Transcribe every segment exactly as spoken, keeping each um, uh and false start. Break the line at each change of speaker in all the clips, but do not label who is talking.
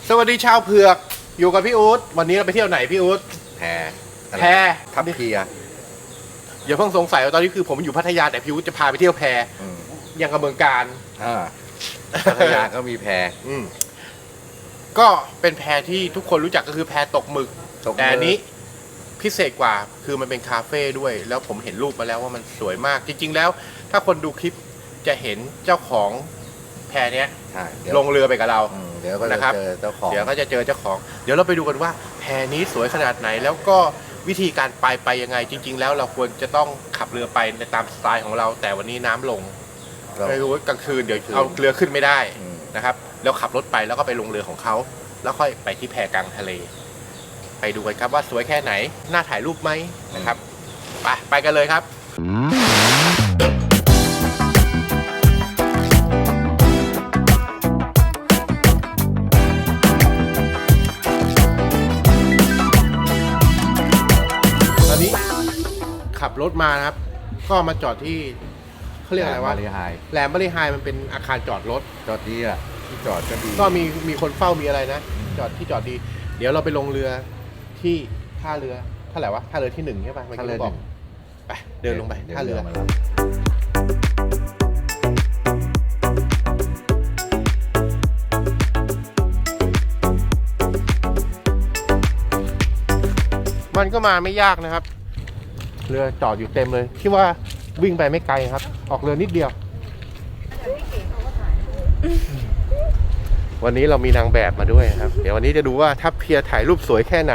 สวัสดีชาวเผือกอยู่กับพี่อู๊ดวันนี้เราไปเที่ยวไหนพี่อู๊ด
แพอะไร
แพ
ทับเพีย
อย่าเพิ่งสงสัยว่าตอนนี้คือผมอยู่พัทยาแต่พี่อู๊ดจะพาไปเที่ยวแพ
อืม
ยังกับเมืองการ
อ่าพัทยาก็มีแพ
อืมก็เป็นแพที่ทุกคนรู้จักก็คือแพตกหมึก
ตกหมึก
แต่อันนี้พิเศษกว่าคือมันเป็นคาเฟ่ด้วย แล้วผมเห็นรูปมาแล้วว่ามันสวยมาก จริง ๆ แล้ว ถ้าคนดูคลิปจะเห็นเจ้าของแพเนี้ย
ใช่เดี๋ยว
ลงเรือไปกับเรา
อืมเดี๋ยวก็จะ
นะครับ
เจอเจ้าของ
เดี๋ยวก็จะเจอเจ้าของ เดี๋ยวเราไปดูกันว่าแพนี้สวยขนาดไหน แล้วก็วิธีการไปไปยังไง จริง ๆ แล้วเราควรจะต้องขับเรือไปในตามสไตล์ของเรา แต่วันนี้น้ำลง
เรา
ไม่รู้ว่ากลางคืนเดี๋ยว
กลางคืน
เอาเรือขึ้นไม่ได้
อืม
นะครับ แล้วขับรถไปแล้วก็ไปลงเรือของเขา แล้วค่อยไปที่แพกลางทะเล ไปดูกันครับว่าสวยแค่ไหน น่าถ่ายรูปไหมนะครับ ไปไปกันเลยครับ ตอนนี้ขับรถมานะครับ ก็มาจอดที่เขาเรียกอะไรวะ
มาริไฮ
แหลมบริหายมันเป็นอาคารจอดรถ
จอดดีอ่ะที่จอดก็ดี
ก็มีมีคนเฝ้ามีอะไรนะ จอดที่จอดดี เดี๋ยวเราไปลงเรือที่ท่าเรือเท่าไหร่วะท่าเรือที่หนึ่งใช่ปะเมื่อ
ถ้า
กี้
เรือ
เราบ
ห
อก
นึ่ง
ไปเดินลงไป
ดี๋ยว
ท่าเรือ
มารับ
มันก็มาไม่ยากนะครับ เรือจอดอยู่เต็มเลยที่ว่าวิ่งไปไม่ไกลครับ ออกเรือนิดเดียว วันนี้เรามีนางแบบมาด้วยนะครับ เดี๋ยววันนี้จะดูว่าทัพเพียถ่ายรูปสวยแค่ไหน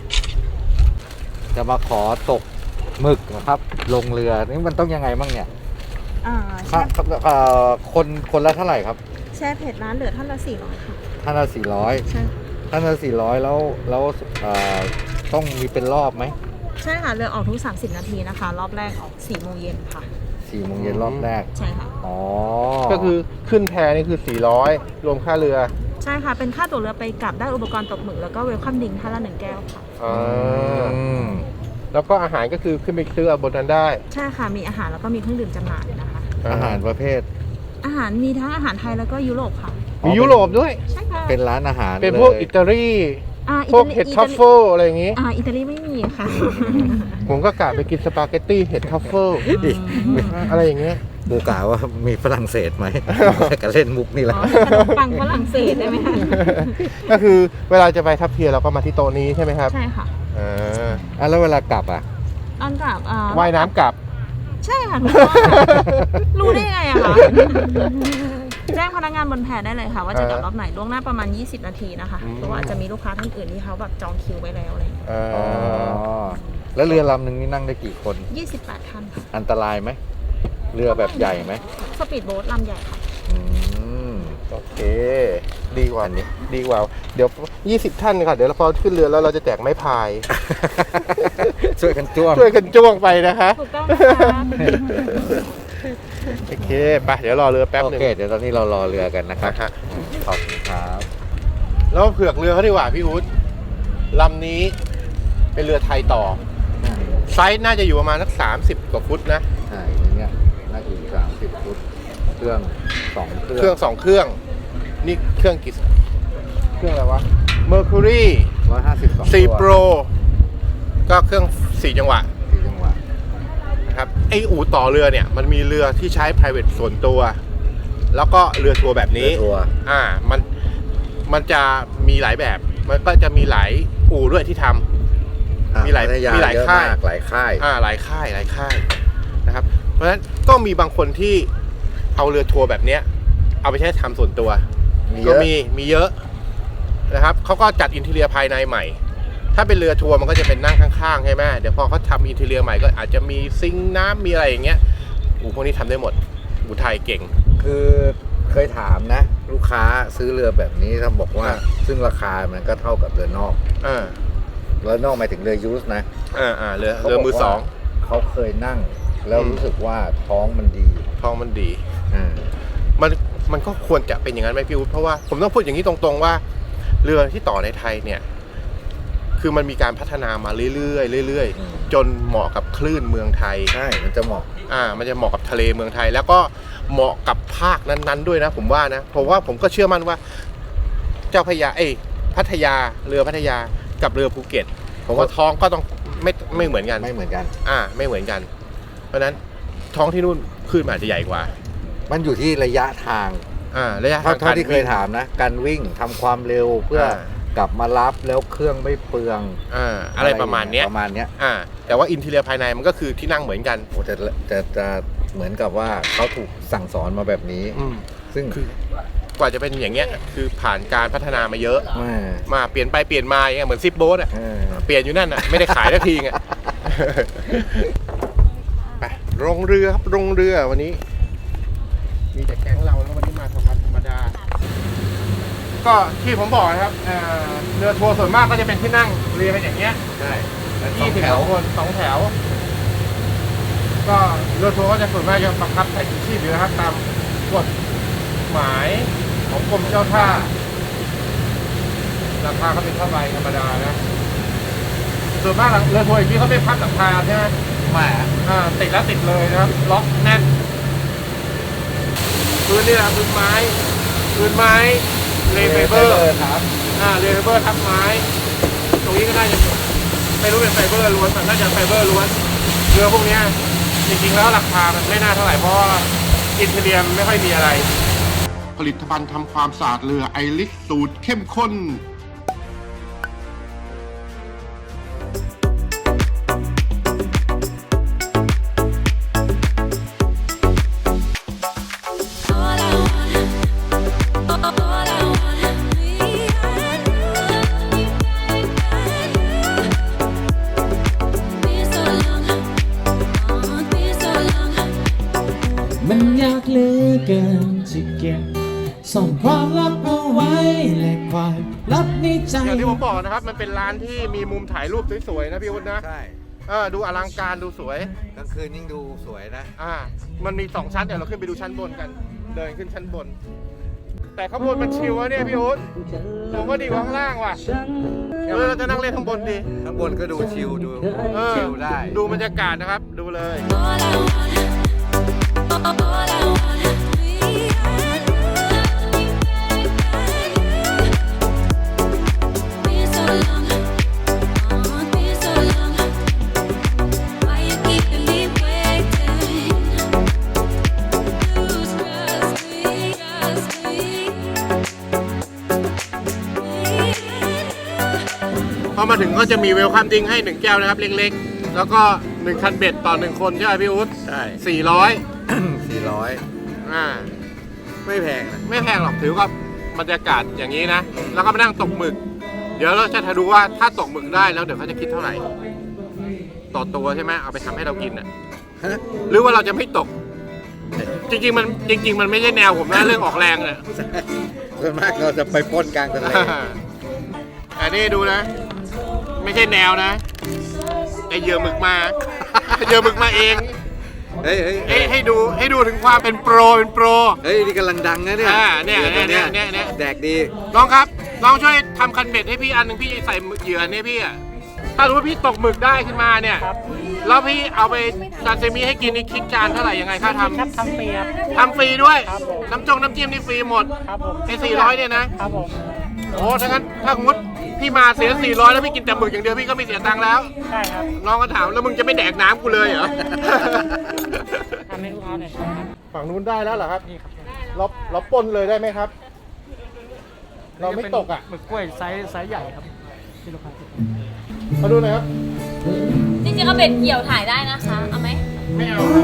จะมาขอตกหมึกนะครับ ลงเรือนี่มันต้องยังไงบ้างเนี่ย
อ่า
ค่า
แช่
เอ่อคนคนละเท่าไหร่ครับ
แช่เผ็ดร้านเหลือท่านละสี่ร้อยค่ะ
ท่านละสี่ร้อย
ใช่
ท่านละสี่ร้อยแล้วแล้วเอ่อต้องมีเป็นรอบไหม
ใช่ค่ะเรือออกทุกสามสิบนาทีนะคะ รอบแรกออกสี่โมงเย็นค่ะ
สี่โมงเย็นรอบแรก
ใช่ค่ะ
อ๋อ
ก็คือขึ้นแพนี่คือสี่ร้อยรวมค่าเรือ
ใช่ค่ะเป็นค่าตั๋วเรือไปกลับได้อุปกรณ์ตกหมึกแล้วก็เวลคัมดิงท่านละหนึ่งแก้วค่ะ
อ่า
อืม
แล้วก็อาหารก็คือขึ้นไปซื้อเอาบนนั้นได้
ใช่ค่ะมีอาหารแล้วก็มีเครื่องดื่มจำหน่ายนะคะ
อาหารประเภท
อาหารมีทั้งอาหารไทยแล้วก็ยุโรปค่ะ
มียุโรปด้วย
ใช่ค่ะ
เป็นร้านอาหาร
เป็นพวก
ลย
อิตาลี
อ่า
พวกเห็ดทัฟเฟิลอะไรอย่างงี้
อ่าอิตาลีไม่มีค่ะ
ผมก็กะไปกินสปาเกตตี้เห็ดทัฟเฟิล
อีก
อะไรอย่างเงี้ย
กูกล่าวว่ามีฝรั่งเศสไหม ก็เล่นมุกนี่แหละ
อ๋อขนมปังฝรั่งเศสได้ไหมคะ
ก็คือเวลาจะไปทัพเพียเราก็มาที่โต๊ะนี้ใช่ไหมครับ
ใช่ค่ะ
อ่า
อ่ะแล้วเวลากลับอ่ะ
ตอนกลับอ่า
ว่ายน้ำกลับ
ใช่ค่ะถูกต้องรู้ได้ไงอะคะแจ้งพนักงานบนแพได้เลยค่ะ ว่าจะกลับรอบไหนล่วงหน้าประมาณยี่สิบนาทีนะคะ
อืม
เพราะว่าอาจจะมีลูกค้าท่านอื่นที่เขาแบบจองคิวไว้แล้วอะไรอย่างเงี้ย
อ่า
อ๋อ แล้วเรือลำหนึ่งนี่นั่งได้กี่คน
ยี่สิบแปดท่านค่ะ
อันตรายไหม เรือแบบใหญ่ไหม
สปีดโบ๊ทลำใหญ่ค่ะ
อืม
โอเค ดีกว่านี้ดีกว่า เดี๋ยวยี่สิบท่านค่ะ เดี๋ยวเราพอขึ้นเรือแล้วเราจะแจกไม้พาย
ช่วยกันจ้วง
ช่วยกันจ้วงไปนะคะ
ถูกต้องนะคะ
โอเคไปเดี๋ยวรอเรือแป๊บ
โอ
หนึ่ง
เค เดี๋ยวตอนนี้เรารอเรือกันนะครับ
นะฮะ
ขอบคุณครับ
แล้วเผือกเรือเขาดีกว่าพี่อุ๊ดลำนี้เป็นเรือไทยต่อ ไซส์น่าจะอยู่ประมาณสักสามสิบกว่าฟุตนะ
ใช่เนี่ยน่าจะอยู่สามสิบฟุต เครื่องสองเครื่
เครื่องสองเครื่อง นี่เครื่องกี่เครื่องอะไรวะ Mercury
ร้อยห้าสิบสอง
สี่ Pro ก็เครื่องสี่จังหวะ
สี่จังหวะ
นะครับไออู่ต่อเรือเนี่ยมันมีเรือที่ใช้ private ส่วนตัว แล้วก็เรือทัวร์แบบนี้
เรือทัวร์
อ่ามันมันจะมีหลายแบบ มันก็จะมีหลายอู่ด้วยที่ทำ
อ่ะ
มีหลาย
พัท
มีหลาย
เอะ
ค่าย
มกหลายค่าย
อ่าหลายค่ายหลายค่ายนะครับ เพราะฉะนั้นก็มีบางคนที่เอาเรือทัวร์แบบเนี้ยเอาไปใช้ทำส่วนตัว
มีเย
ก็
อะ
มีมีเยอะนะครับเขาก็จัดอินทีเรียภายในใหม่ ถ้าเป็นเรือทัวร์มันก็จะเป็นนั่งข้างๆใช่ไหมเดี๋ยวพอเขาทำอินทีเรียใหม่ก็อาจจะมีซิงค์น้ำมีอะไรอย่างเงี้ยอูพวกนี้ทำได้หมดอูไทยเก่ง
คือเคยถามนะ ลูกค้าซื้อเรือแบบนี้ถ้าบอกว่า
อ่า
ซึ่งราคามันก็เท่ากับเรือนอก
อ่า
เรือนอกหมายถึงเรือยูสนะ
อ่าอ่าเรือ
ขา
เรือมือสอง
บกว่าเขาเคยนั่ง แล้ว
อืม
รู้สึกว่าท้องมันดี
ท้องมันดี
อ่า
มันมันก็ควรจะเป็นอย่างนั้นไหมพี่อุ๊ดเพราะว่าผมต้องพูดอย่างนี้ตรงๆว่า เรือที่ต่อในไทยเนี่ย คือมันมีการพัฒนามาเรื่อยๆเรื่อย
อืม
ๆจนเหมาะกับคลื่นเมืองไทย
ใช่มันจะเหมาะ
อ่า มันจะเหมาะกับทะเลเมืองไทย แล้วก็เหมาะกับภาคนั้นๆด้วยนะ ผมว่านะผมว่าผมก็เชื่อมั่นว่า เจ้าพระยาเอ้ยพัทยาเรือพัทยากับเรือภูเก็ตผมว่าท้องก็ต้องไม่ไม่เหมือนกัน
ไม่เหมือนกัน
อ่าไม่เหมือนกัน เพราะฉะนั้นท้องที่นู่นคลื่นมันอาจจะใหญ่กว่า
มันอยู่ที่ระยะทาง
อ่าระยะ
เท่า
ทาง
เท่าที่เคยถามนะ การวิ่งทำความเร็วเพื่อ
อ่า
กลับมารับแล้วเครื่องไม่เปลือง
อ่าอะไรประมาณเนี้ย
ประมาณเนี้ย
อ่าแต่ว่าอินทีเรียภายในมันก็คือที่นั่งเหมือนกัน
โอ้จะจะจะเหมือนกับว่าเขาถูกสั่งสอนมาแบบนี้
อืม
ซึ่ง
คือกว่าจะเป็นอย่างเงี้ยคือผ่านการพัฒนามาเยอะ
แม่
มาเปลี่ยนไปเปลี่ยนมาอย่างเงี้ยเหมือนซิปโบ๊ทอ่ะ
เออ
เปลี่ยนอยู่นั่นอ่ะไม่ได้ขายสักทีอ่ะ ไปลงเรือครับลงเรือวันนี้ มีแต่แก๊งเราแล้ววันนี้มาธรรมดาธรรมดา ก็ที่ผมบอกนะครับเอ่อเรือทัวร์ส่วนมากก็จะเป็นที่นั่งเรียงกันอย่างเงี้ย
ใช่แล้วสอ
ยี่
ง
สิบ
แถว
คนสองแถว ก็เรือทัวร์ก็จะส่วนมากจะบังคับใช้ชีพอยู่นะครับ ตามกฎหมายของกรมเจ้าท่า ราคาก็เป็นเท่าไหร่ธรรมดานะ ส่วนมากเรือทัวร์อย่างนี้เขาไม่พับหลังคาใช่ไหม
แม่
อ่าติดแล้วติดเลยนะครับ ล็อกแน่นพื้นนี่แหละพื้นไม้พื้นไม้เลเฟเบอร์
ครับ
อ่าเลเฟเบอร์ทับไม้ ตรงนี้ก็น่าจะไม่รู้เป็นไฟเบอร์ล้วนแต่น่าจะไฟเบอร์ล้วนเรือพวกเนี้ยจริงๆแล้วราคามันไม่น่าเท่าไหร่เพราะว่าอินเทเรียมไม่ค่อยมีอะไร ผลิตภัณฑ์ทำความสะอาดเรือไอริสสูตรเข้มข้น
มันยากเหลือเกินจะเก็บส่งความลับเอาไว้และความลับในใจ
อย่างที่ผมบอกนะครับ มันเป็นร้านที่มีมุมถ่ายรูปสวยๆนะพี่วุฒินะ
ใช่
เออดูอลังการดูสวย
กลางคืนยิ่งดูสวยนะ
อ่า มันมีสองชั้นเดี๋ยวเราขึ้นไปดูชั้นบนกัน เดินขึ้นชั้นบน แต่ข้างบนมันชิลวะเนี่ยพี่อุ๊ดผมว่าดีกว่าข้างล่างว่ะเออเราจะนั่งเล่นข้างบนดี
ข้างบนก็ดูชิลดู
เออ
ชิลได้
ดูบรรยากาศนะครับ ดูเลย พอมาถึงก็จะมีเวลคัมดิ้งให้หนึ่งแก้วนะครับเล็กๆ แล้วก็หนึ่งคันเบ็ดต่อหนึ่งคนใช่ไหมพี่อุ๊ด
ใช่
สี่ร้อย
สี่ร้อย
อ่า
ไม่แพงนะ
ไม่แพงหรอกถือว่าบรรยากาศอย่างนี้นะ แล้วก็มานั่งตกหมึก เดี๋ยวเราจะดูว่าถ้าตกหมึกได้แล้วเดี๋ยวเขาจะคิดเท่าไหร่ ต่อตัวใช่ไหมเอาไปทำให้เรากินอ่ะ
ฮะ
หรือว่าเราจะไม่ตก จริงๆมันจริง ๆ มันไม่ใช่แนวผมนะเรื่องออกแรงเนี่ย
ส่วนมากเราจะไปปล้นกลางทะเล
อันนี้ดูนะ ไม่ใช่แนวนะไอเหยื่อหมึกมา เหยื่อหมึกมาเอง
เฮ้ยเฮ้ย
ให้ให้ดูให้ดูถึงความเป็นโปรเป็นโปร
เฮ้ยนี่กำลังดังนะเนี่ย
อ่าเนี่ย
ดี๋ว
เนี่ยเนี่ยเนี่ย
แดกดี
น้องครับน้องช่วยทำคันเบ็ดให้พี่อันหนึ่งพี่ใส่เหยื่อเนี่ยพี่อะถ้ารู้ว่าพี่ตกหมึกได้ขึ้นมาเนี่ยแล้วพี่เอาไปซาซิมิให้กินนี่คิดจานเท่าไหร่ยังไงค่าทำ
ครับทำฟรีครับ
ทำฟรีด้วย
ครับผม
น้ำจงน้ำจิ้มนี่ฟรีหมด
ครับผม
ไอ้สี่ร้อยเนี่ยนะครับ
ผม
โอ้ถ้างั้นถ้าสมมติพี่มาเสียสี่ร้อยแล้วพี่กินแต่หมึกอย่างเดียวพี่ก็ไม่เสียตังค์แล้ว
ใช่ครับ
น้องก็ถามแล้วมึงจะไม่แดกน้ำกูเลยเหรอ
ทำให้ลูกค้าหน่อยครับ
ฝั่งนู้นได้แล้วเหรอครับ
นี่ครับ
เราเราปนเลยได้ไหมครับ เราไม่ตกอ่ะ
หมึกกล้วยไซส์ไซส์ใหญ่ครับที่ลูกค้าติด
มาดูหน่อยครับ
จริงๆก็เบ็ดเกี่ยวถ่ายได้นะคะ เอาไหม
ไม่เอาครับ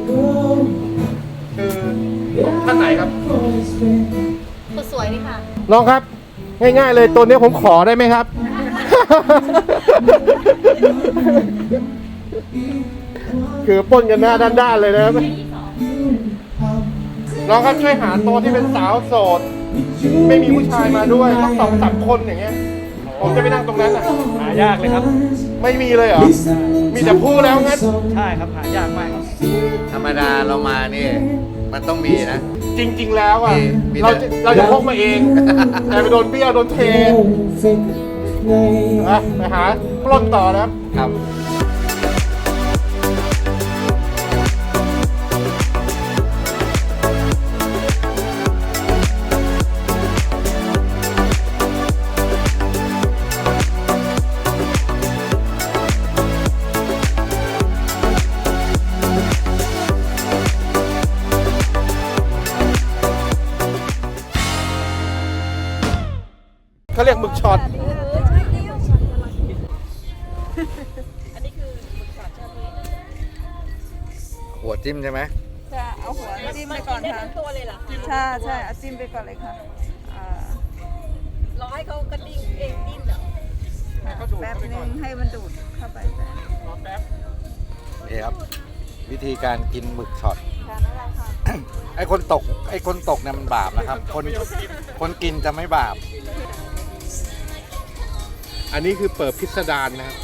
คือท่านไหนครับ
สวยดีค่ะ
น้องครับ ง่ายๆเลยตัวนี้ผมขอได้ไหมครับ คือปล้นกันหน้าด้านๆเลยนะครับน้องครับช่วยหาโต๊ะที่เป็นสาวโสด ไม่มีผู้ชายมาด้วยต้องสองสามคนอย่างเงี้ย ผมจะไปนั่งตรงนั้นอ่ะ
หายากเลยครับ
ไม่มีเลยเหรอ มีแต่ผู้แล้วงั้น
ใช่ครับหายากมากครับ
ธรรมดาเรามานี่มันต้องมีนะ
จริง ๆ แล้วอ่ะ
มีมี
เรา
แต่
จะเราจะพกมาเอง แต่ไปโดนเบี้ยวโดนเทอ่ะไปหาปล้นต่อนะครับ
ครับ
เขาเรียกหมึกช็อต
อันนี้คือหมึกช็อตใช่ไหม
หัวจิ้มใช่ไหม
จะเอาหัวจิ้มไปก่อนค่ะ
ตัวเลยเหรอ
ใช่ใช่เอาจิ้มไปก่อนเลยค่ะอ่าร
อให้เขากระดิ่งเองดิ้นเหรอ
แป๊บนึงให้มันดูดเข้าไปแต่
นี่ครับ วิธีการกินหมึกช็อต
ทานอะไรค่ะ
ไอ้คนตกไอ้คนตกเนี่ยมันบาปนะครับ คนคนกินจะไม่บาป
อันนี้คือเปิดพิสดารนะครับ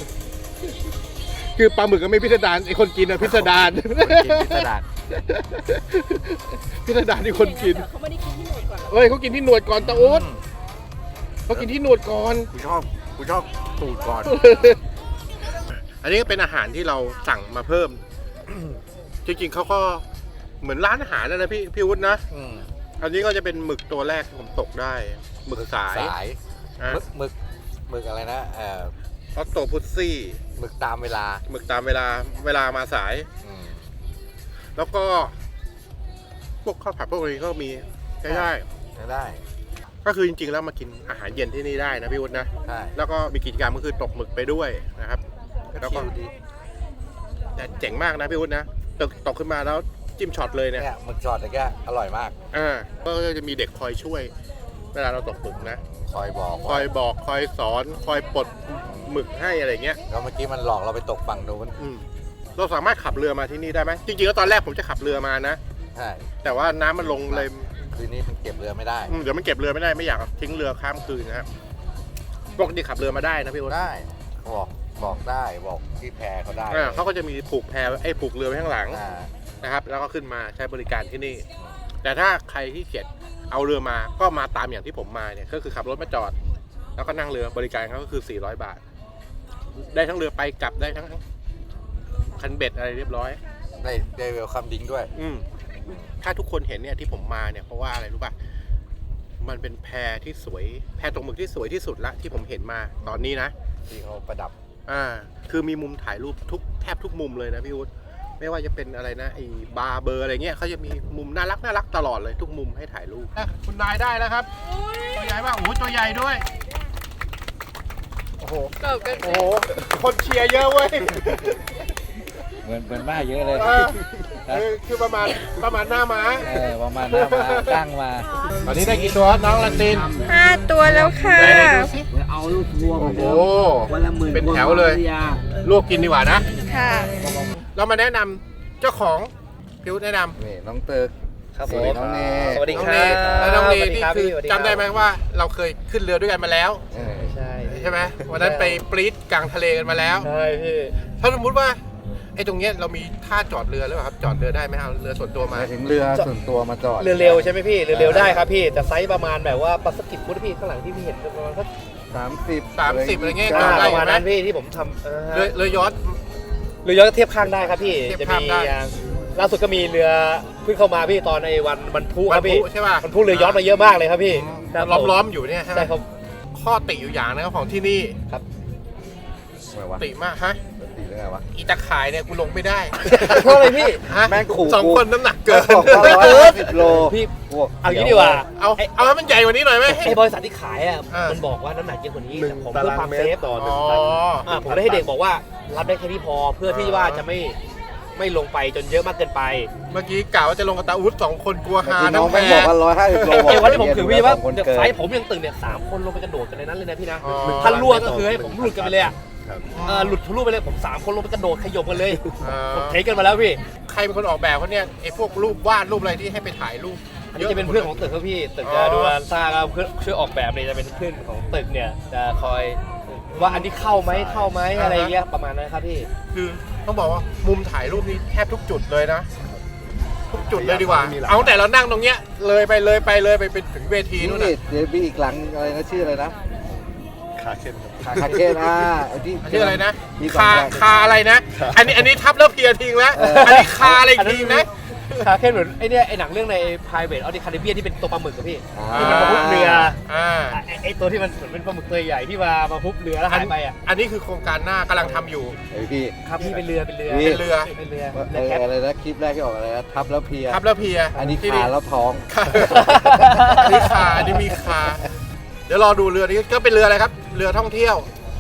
คือปลาหมึกก็ไม่พิสดารไอคนกินอะพิสดาร
กินพิสดาร
พิสดารที่คนกิน
เขาไม่ได้กินที่หนวดก่อน
เฮ้ยเขากินที่หนวดก่อนตาอุ๊ดเขากินที่หนวดก่อน
กูชอบกูชอบตูดก่อน
อันนี้ก็เป็นอาหารที่เราสั่งมาเพิ่ม จริงๆเขาก็เหมือนร้านอาหารนะนะพี่พี่วุฒินะ
อืม
อันนี้ก็จะเป็นหมึกตัวแรกที่ผมตกได้ หมึกสาย
สาย
อ่ะ
หมึกหมึกหมึกอะไรนะเอ่อ
ออตโตพุซซี่
หมึกตามเวลา
หมึกตามเวลาเวลามาสาย
อืม
แล้วก็พวกข้าวผัดพวกนี้ก็มีได้ได้
จะได้
ก็คือจริงๆแล้วมากินอาหารเย็นที่นี่ได้นะพี่วุฒินะ
ใช่
แล้วก็มีกิจกรรมก็คือตกหมึกไปด้วยนะครับ แล้วก็
ชิลดี
แต่เจ๋งมากนะพี่วุฒินะตกตกขึ้นมาแล้วจิ้มช็อตเลยเนี่ย
เนี่ยหมึกช็อตตะแกอร่อยมาก
อ่าก็จะมีเด็กคอยช่วย เวลาเราตกหมึกนะ
คอยบอก
คอยบอกคอยสอนคอยปลดหมึกให้อะไรเงี้ย
แล้วเมื่อกี้มันหลอกเราไปตกฝั่งนู้น
อืมเราสามารถขับเรือมาที่นี่ได้ไหมจริงๆแล้วตอนแรกผมจะขับเรือมานะ
ใช่
แต่ว่าน้ำมันลงเลย
คืนนี้มันเก็บเรือไม่ได้
อืมเดี๋ยวมันเก็บเรือไม่ได้ไม่อยากทิ้งเรือข้ามคืนนะครับปกติขับเรือมาได้นะพี่วุฒิ
ได้บอกบอกได้บอกที่แพเขาได้
อ่าเขาก็จะมีผูกแพไอ้ผูกเรือไว้ข้างหลัง
อ่า
นะครับ แล้วก็ขึ้นมาใช้บริการที่นี่ แต่ถ้าใครที่เกียจเอาเรือมาก็มาตามอย่างที่ผมมาเนี่ยก็คือขับรถมาจอด แล้วก็นั่งเรือบริการเขาก็คือสี่ร้อยบาท ได้ทั้งเรือไปกลับได้ทั้งคันเบ็ดอะไรเรียบร้อย
ได้ได้เวลคัมดิ้งด้วย
อืมถ้าทุกคนเห็นเนี่ยที่ผมมาเนี่ยเพราะว่าอะไรรู้ป่ะมันเป็นแพที่สวยแพตกหมึกที่สวยที่สุดละที่ผมเห็นมาตอนนี้นะ
ที่เขาประดับ
อ่าคือมีมุมถ่ายรูปทุกแทบทุกมุมเลยนะพี่วุฒิไม่ว่าจะเป็นอะไรนะไอ้บาร์เบอร์อะไรเงี้ยเขาจะมีมุมน่ารักน่ารักตลอดเลยทุกมุมให้ถ่ายรูปคุณนายได้แล้วครับตัวใหญ่มากโอ้โหตัวใหญ่ด้วยโอ้โห
เกิดกัน
โอ้โหคนเชียร์เยอะเว้ย
เหมือนเหมือนมาเยอะเลย
เออเออคือประมาณประมาณหน้าม้า
เออประมาณนั้นมาตั้งมา
ตอนนี้ได้กี่ตัวน้องลันติน
ห้าตัวแล้วค่ะ
ไหนๆดูสิ
เอาลูกวัว
โอ้โห
วันละหมื่น
เป็นแถวเลย ลวกกินดีกว่านะ
ค่ะ
เรามาแนะนำเจ้าของพิวแนะนำ
นี่น้องตึก
ครับ
สวัสดีน้องเน
สวัสดี
น้อง
ค
เน
รับ
แล้วน้องเน
สวัส
นี่
รับ
คือ
พี่สวัส
จำได้ไหมว่าเราเคยขึ้นเรือด้วยกันมาแล้ว
เออ
ใช่
ใช่ไหมวันนั้นไปปรี๊ดกลางทะเลกันมาแล้ว
ใช่พี่
ถ้าสมมติว่าไอ้ตรงเนี้ยเรามีท่าจอดเรือหรือเปล่าครับจอดเรือได้ไหมเอาเรือส่วนตัว
ห
มา
มายถึงเรือส่วนตัวมาจอด
เรือเร็วใช่ไหมพี่เรือเร็วได้ครับพี่แต่ไซส์ประมาณแบบว่าปลาสกิดพุทธพี่ข้างหลังที่พี่เห็นประมาณสัก
สามสิบ
สามสิบอะไรเงี้ย
อ่า
ได้
ประมาณ
ไหม
นั้นพี่ที่ผมทำเออ
เรือเรือยอชต์
เรือยอชต์เทียบข้างได้ครับพี่
เทียบ
จะ
ข้าง
มี
ได้
อย่างล่าสุดก็มีเรือเพิ่งเข้ามาพี่ตอนในวันบรรทุก
บ
ค
ร
รับ
ร
พี่
ทุใช่ป่ะ
บรรทุกเรือยอชต์มาเยอะมากเลยครับพี่ครับผม
ล้อมๆอยู่เนี่ยใช่ไหม
ใช่ครับ
ข้อติอยู่อย่างนะครับของที่นี่
ทำไมวะ
ติมากฮะ
ตีเรื่องอะไรวะ
อีตาข่ายเนี่ยกูลงไม่ได้
เพราะอะไรพี่
ฮะ
แม่งขู่
สอง
กู
คนน้ำหนักเกิน
บอกว่าร้อยห้าสิบโล
พี่
พวก
เอางี้ดีกว่า
เอาเอาให้มันใหญ่กว่านี้หน่อยไหม
ไอ้บริษัทที่ขายอ่ะ
อ่ามั
มันบอกว่าน้ำหนักเยอะกว่านี้
หนึ่ง
แต่ผม
ตา
เพื่อ
ราง
ความ
เม
เซ
ต
ฟ
รต่อห
อ๋
นึ่
อง
ตัน
อ่าผมได้ให้เด็กบอกว่ารับได้แค่นี้พอเพื่อที่ว่าจะไม่ไม่ลงไปจนเยอะมากเกินไป
เมื่อกี้กล่าวว่าจะลงกับตาอุ๊ดสองคนกลัว
เมื่อ
หา
กี้น้อง
น้ำแพ
แม่งบอกว่าร้อยห้าสิบโล
ไอ้วันที่ผมถือพี่ว่า
คน
เดี๋ยว
เกิน
ไซส์ผมยังตึงเนี่ยสามคนลงไปกระโดดกันในนั้นเลยนะพี่นะ
อ๋อ
ถ้าล่วงก็คือให้ผมหลุดกันไปเลยอ่ะ
ครับ
เออหลุดทะลุไปเลยผมสามคนลงไปกระโดดขยมกันเลย
เอ่อ
ผมเทคกันมาแล้วพี่
ใครเป็นคนออกแบบเขาเนี่ยไอ้พวกรูปวาดรูปอะไรที่ให้ไปถ่ายรูป
อันนี้จะเป็นเพื่อนของตึกครับพี่ตึก
อ๋
จะ
อ
ดูแลสร้างครับเพื่อนช่วยออกแบบเนี่ยจะเป็นเพื่อนของตึกเนี่ยจะคอยว่าอันนี้เข้าไหมเข้าไหมอะไรอย่างเงี้ยประมาณนั้นครับพี่
คือต้องบอกว่ามุมถ่ายรูปนี้แทบทุกจุดเลยนะ ทุกจุดเลยดีกว่า เอาตั้งแต่เรานั่งตรงเนี้ยเลยไปเลยไปเลยไปไปถึงเวที
นี่
นู่น
นี่
น่ะ
เดี๋ยวมีอีกหลังอะไรนะชื่ออะไรนะ
ขาเข็ม
ขาคาเคนอ่าไอ้ที่
ชื่ออะไรนะ
มี
คา
สองแบบ
คาอะไรนะ อันนี้อันนี้ทับแล้วเพลียทิ้งแล้ว
เอออั
อันนี้คาอะไรอีกทิ้งนะ
คาแค่เหมือนไอเนี่ยไอหนังเรื่องใน private of the Caribbean ที่เป็นตัวปลาหมึกอะพี่
อ่า
ที่มันมาพุบเรือ
อ่า
ไอไอตัวที่มันเหมือนเป็นปลาหมึกตัวใหญ่ที่มามาพุบเรือแล้วหายไปอ่ะ
อันนี้คือโครงการหน้ากำลังทำอยู่
ไอ้พี่
ครับพี่เป็นเรือเป็นเรือ
เป็นเรือ
เป็นเรือ
ว่า
เรือแคป
อะไรนะคลิปแรกที่ออกอะไรนะทับแล้วเพลีย
ทับแล้วเพลีย
อันนี้
ที่
ขาแล้วท้อง
ขาอันนี้คาอันนี้มีคาเดี๋ยวรอดูเรือนี้ก็เป็นเรืออะไรครับ เรือท่องเที่ยว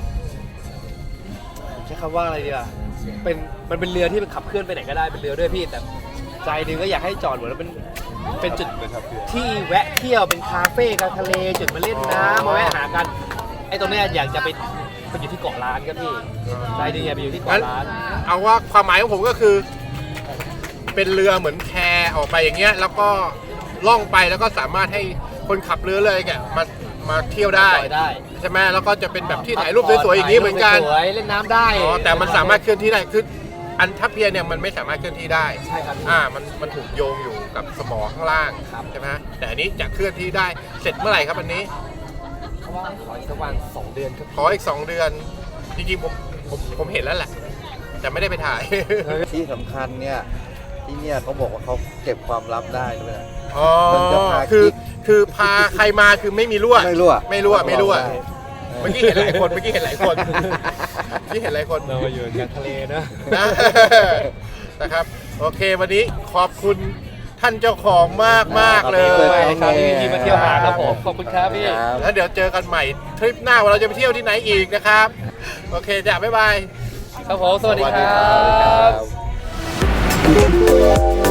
ใช้คำว่าอะไรดีอ่ะเป็นมันเป็นเรือที่มันขับเคลื่อนไปไหนก็ได้เป็นเรือด้วยพี่แต่ใจหนึงก็อยากให้จอดเหมือนว่าเป็นเป็นจุดที่แวะเที่ยวเป็นคาเฟ่กลางทะเลจุดมาเล่นน้ำมาแวะหากันไอ้ตรงเนี้ยอยากจะไปไปอยู่ที่เกาะล้านครับพี่ใจหนึงอยากไปอยู่ที่
งั้น
เกาะล้าน
เอาว่าความหมายของผมก็คือ เป็นเรือเหมือนแพออกไปอย่างเงี้ยแล้วก็ล่องไปแล้วก็สามารถให้คนขับเรือเลยแกมามาเที่ยวได้
จอยได้
ใช่ไหมแล้วก็จะเป็นแบบที่ถ่ายรูปสวยๆอย่างนี้เหมือนกัน
สวยๆเล่นน้ำได้
อ๋อแต่มันสามารถเคลื่อนที่ได้คืออันทัพเพียเนี่ยมันไม่สามารถเคลื่อนที่ได้
ใช่ครับ
อ่ามันมันถูกโยงอยู่กับสมอข้างล่าง
ครับ
ใช่ไหมฮะแต่อันนี้จะเคลื่อนที่ได้เสร็จเมื่อไหร่ครับอันนี้
เขาว่าขออีกสักวันสองเดือนครับ
ขออีกสองเดือนจริงๆผมผมผมเห็นแล้วแหละแต่ไม่ได้ไปถ่าย
ที่สำคัญเนี่ยที่เนี่ยเขาบอกว่าเขาเก็บความลับได้ด้วยนะ
อ๋อ
มันจะพา
คือ
กิ๊ก
คือพาใครมาคือไม่มีรั่ว
ไม่รั่ว
ไม่รั่วไม่รั่ว
ได้
เมื่อกี้เห็นหลายคนเมื่อกี้เห็นหลายคนเมื่อกี้เห็นหลายคน
เรามาอยู่กลางทะเลนะ
นะ นะครับ โอเควันนี้ขอบคุณท่านเจ้าของมากมากๆเล
ขอบคุณ
ย
ครับ
ที่ที่มาเที่ยวหาครับผมขอบคุณครับพี่
ครับ
แล้วเดี๋ยวเจอกันใหม่ทริปหน้าว่าเราจะไปเที่ยวที่ไหนอีกนะครับ โอเคจ้ะบ๊ายบาย
ครับผมสวัสดีครั
สวัสดีครับ บ